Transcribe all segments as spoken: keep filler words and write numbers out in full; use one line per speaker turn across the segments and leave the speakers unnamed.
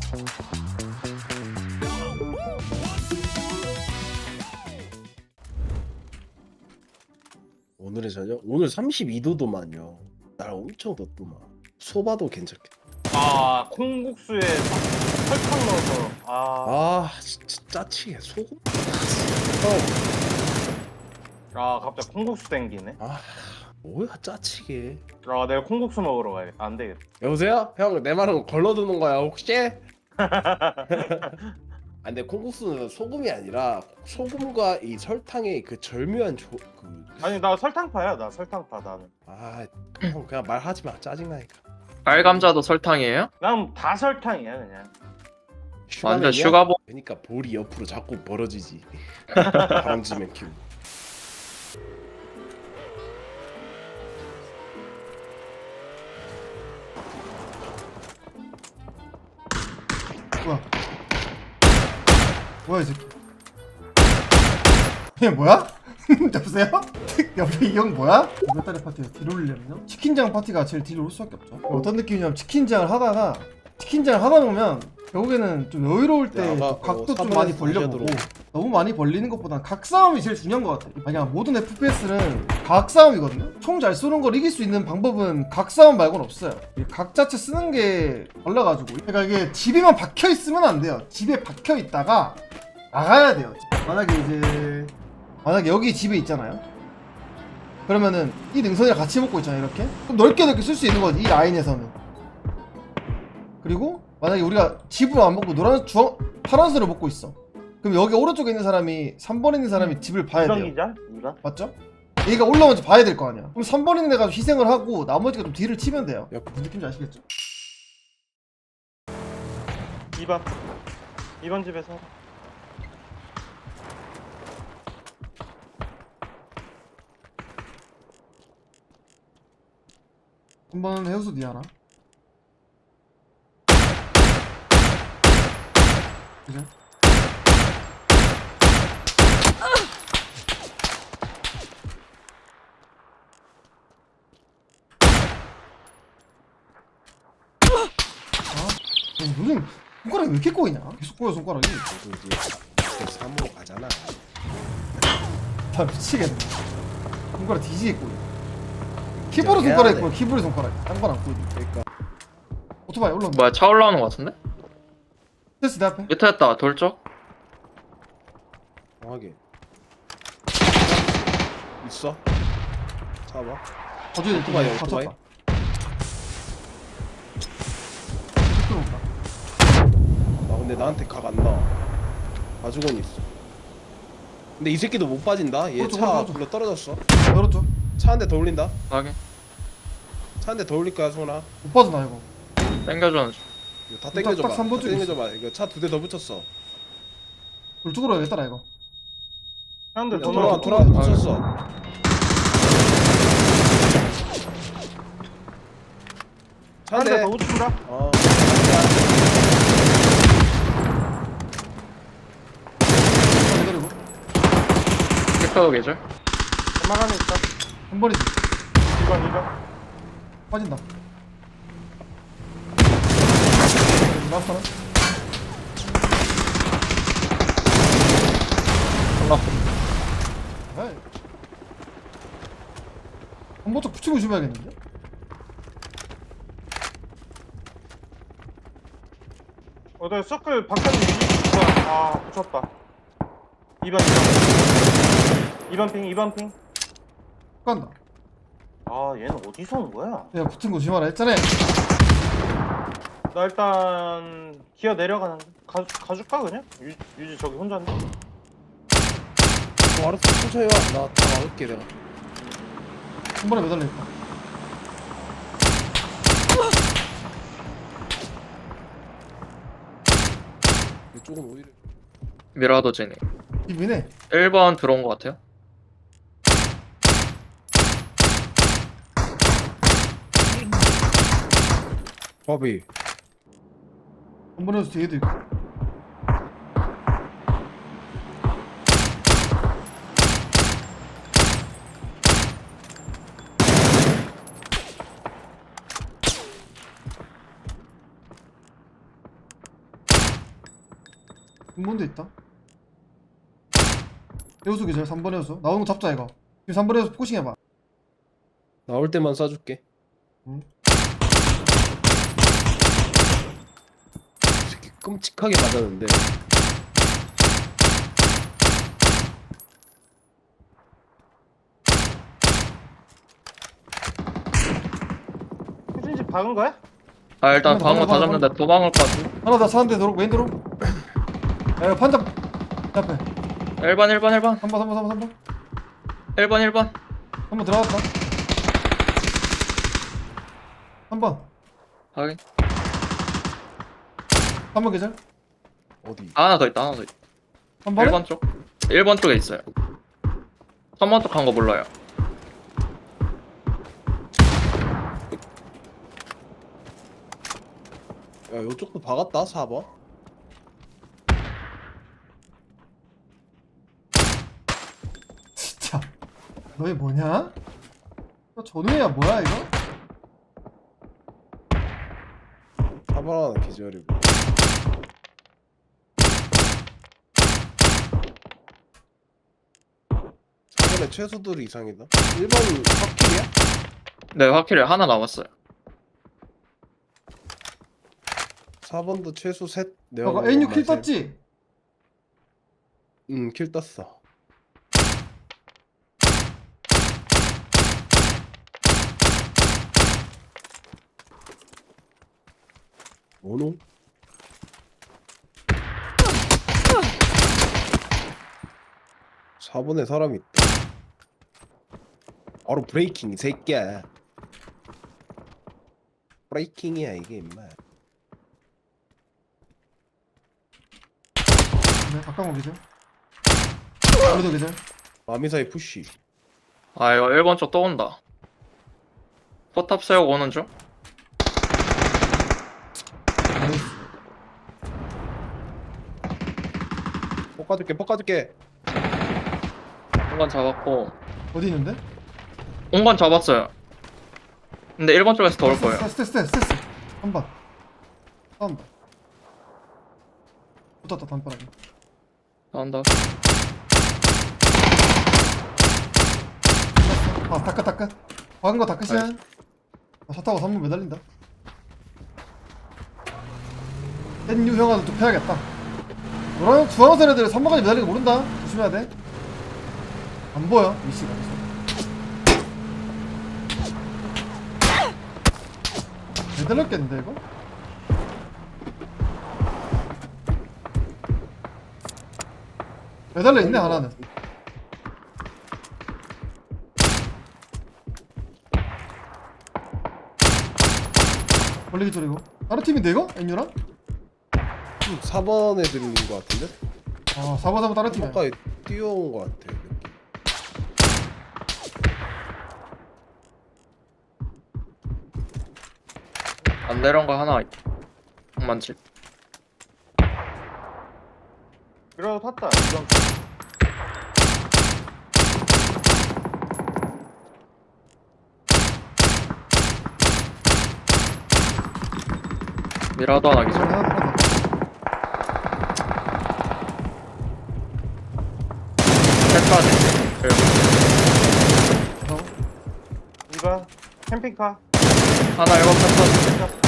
오늘의 저녁? 오늘 삼십이 도도만요. 날 엄청 덥더만. 소바도 괜찮겠다.
아 콩국수에 설탕 넣어서 아,
아 진짜 짜치게 소금?
아 갑자기 콩국수 땡기네.
아 뭐야 짜치게.
아 내가 콩국수 먹으러 가야겠다. 안 되겠다.
여보세요? 형 내 말은 걸러두는 거야 혹시? 아 근데 콩국수는 소금이 아니라 소금과 이 설탕의 그 절묘한 조... 그...
아니 나 설탕파야. 나 설탕파 나는.
아 형 그냥 말하지 마 짜증나니까.
빨감자도 설탕이에요?
난 다 설탕이야 그냥.
완전
슈가맨이야?
슈가보.
그러니까 볼이 옆으로 자꾸 벌어지지. 바람쥐맨 큐.
뭐야? 뭐야 이 새끼? 얘 뭐야? 여보세요? 옆에 이 형 뭐야? 몇 달의 파티에서 딜 올리려면요? 치킨장 파티가 제일 딜 올 수밖에 없죠. 어떤 느낌이냐면 치킨장을 하다가 치킨장을 하다 보면 결국에는 좀 여유로울 때
야, 아마,
각도
어,
좀 많이
삼번에서
벌려보고
다시
너무 많이 벌리는 것보단 각싸움이 제일 중요한 것 같아. 그냥 모든 에프피에스는 각싸움이거든요. 총 잘 쏘는 걸 이길 수 있는 방법은 각싸움 말고는 없어요. 이 각 자체 쓰는 게 달라가지고 그러니까 이게 집에만 박혀 있으면 안 돼요. 집에 박혀 있다가 나가야 돼요. 만약에 이제 만약에 여기 집에 있잖아요. 그러면은 이 능선이랑 같이 먹고 있잖아요. 이렇게 그럼 넓게 넓게 쓸 수 있는 거지 이 라인에서는. 그리고 만약에 우리가 집으로 안 먹고 노란 주황 파란색으로 먹고 있어. 그럼 여기 오른쪽에 있는 사람이 삼 번에 있는 사람이 집을 봐야
이번
돼요.
기자? 이번?
맞죠? 얘가 올라오는지 봐야 될 거 아니야. 그럼 삼 번 있는 애가 희생을 하고 나머지가 좀 딜을 치면 돼요.
야,
무슨 느낌인지 아시겠죠?
이번. 이번 집에서.
한 번 해우수 니 하나. 그죠? 아, 요즘 손가락이 왜 이렇게 꼬이냐? 계속 꼬여 손가락이.
저도 이제 삼으로 가잖아.
다 미치겠네. 손가락 뒤지게 꼬여. 키보드
해야
손가락이
돼.
꼬여. 키보드 손가락. 딴건안 꼬이네.
그러니까
오토바이 올라온다.
뭐야, 차 올라오는 거 같은데?
됐어 내 앞에.
밑에였다, 돌쪽.
정확하게 있어. 잡아.
가져야 돼.
오토바이,
다
오토바이.
쳤다. 들어온다.
아 근데 나한테 각 안 나와. 가죽은 있어. 근데 이 새끼도 못 빠진다. 얘
오른쪽,
차
오른쪽.
불러 떨어졌어.
열었죠?
차 한 대 더 올린다.
확인.
차 한 대 더 올릴 거야 손아.
못 빠져나 이거.
땡겨주는 중.
이거 다
딱,
땡겨줘봐.
딱삼번
다
쪽에
땡겨줘봐. 이거 차 두 대 더 붙였어.
돌쪽으로 해야겠다 이거.
형들
야,
돈
돌아
넣어.
돌아
아,
붙였어. 차 한
한대
대.
더 붙인다.
어.
기다리고.
캡터도 계절.
엄마 안에 있다.
한 번이지.
이번 이번.
빠진다. 라스트 하나. 에이. 한 번씩 붙이고 조심해야겠는데?
어, 나 서클 바깥에 있어. 아 붙였다. 이번 이번. 이번 핑 이번 핑.
간다.
아 얘는 어디서 온 거야?
내가 붙은 거 조심하라 했잖아.
나 일단 기어 내려가는데 가 가줄까 그냥? 유, 유지 저기 혼자인데.
어, 알았어 천천히 와. 나 다 막을게 내가.
한 번에 매달려 있다.
이쪽은 오히려
미라도 제니.
이비네.
일 번 들어온 거 같아요.
밥이.
한 번에서 뒤에도 있고. 근본도 있다. 해우수 기절 삼 번 해우수 나오는 거 잡자 이거. 지금 삼 번 해우수 포싱 해봐.
나올 때만 쏴줄게.
응.
이 새끼 끔찍하게 맞았는데.
혜진이 집 박은 거야?
아 일단
한번
방어
더,
다
한번
잡는데 도망을 것 같아.
하나 더 사는데 도로 메인 도로. 야 이거 판자 앞에
일 번 일 번 일 번
삼 번 삼 번 삼 번 삼 번
일 번 일 번
한 번 들어갔다. 한 번
확인.
한 번 계절
어디?
아, 하나 더 있다 하나 더 있다.
한 번에
일 번 쪽 일 번 쪽에 있어요. 삼 번 쪽 간 거 몰라요.
야, 요쪽도 박았다. 사 번.
진짜 너희 뭐냐? 너 전우야 뭐야 이거?
사 번 하나 기절이고. 사 번에 최소들이 이상이다. 일 번은 확킬이야?
네 확실히 하나 남았어요.
사 번도 최소 셋.
너가 에이유 킬 떴지?
응, 킬 떴어. 뭐노? 사 번에 사람이 있다. 바로 브레이킹 이 새끼야. 브레이킹이야 이게 임마.
네 가까운 거 계절 우리도 계절.
마미사의 푸시.
아 이거 일 번 쪽 또 온다. 포탑 세우고 오는 중.
나이스.
폭 까줄게 폭 까줄게.
한 번 잡았고
어디 있는데?
온 건 잡았어요. 근데 일 번 쪽에서 더 올 거예요.
스테스 스테스 스테스 한번 싸운다. 붙었다 단파라게.
나온다.
아 다크 다크 박은 거 다크시야.
나이스.
아, 차 타고 삼 번 매달린다. 엔유 형아도 좀 패야겠다. 노란 주황색 애들 삼 번까지 매달리는 거 모른다. 조심해야 돼. 안 보여 위치가. 매달렸겠는데 이거? 매달려 있네 하나는. 벌리기 소리고. 다른 팀인데 이거? 엔유랑?
사 번 애들인 것 같은데?
아 사 번 사 번 다른 팀이야.
가까이 뛰어온 것 같아. 느낌.
안 내려온 거 하나 있다. 많지.
그래도 탔다. 이건
미라도 하나 기절.
하나 하나
셋까지.
더.
이거 캠핑카.
하나 일곱 셋까지.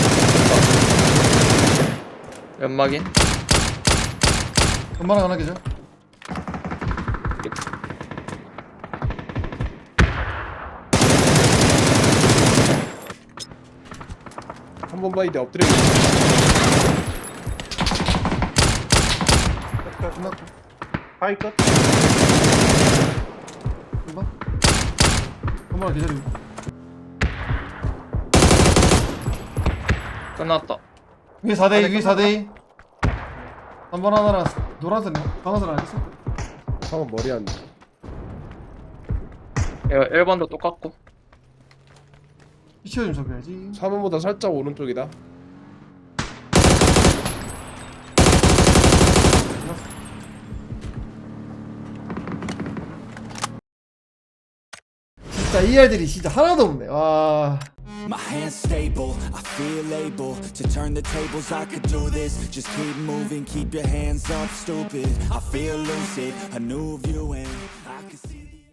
연막인.
엄마랑 하나 계죠.
한 번 바이데 엎드려.
끝.
끝났고.
바이 끝.
한 번. 엄마랑 계절이고.
끝났다.
위에 사 대 이 위에 사 대 이. 한 번 하나랑 노란색네. 방아선 안 했어?
상은 머리 안 돼.
이거 일 번도 똑같고.
피치어 좀 잡아야지.
사 번보다 살짝 오른쪽이다.
진짜 진짜 이알들이 진짜 하나도 없네. 와.
My hands stable, I feel able to turn the tables. I could do this. Just keep moving, keep your hands up, stupid. I feel lucid, a new view and I can see.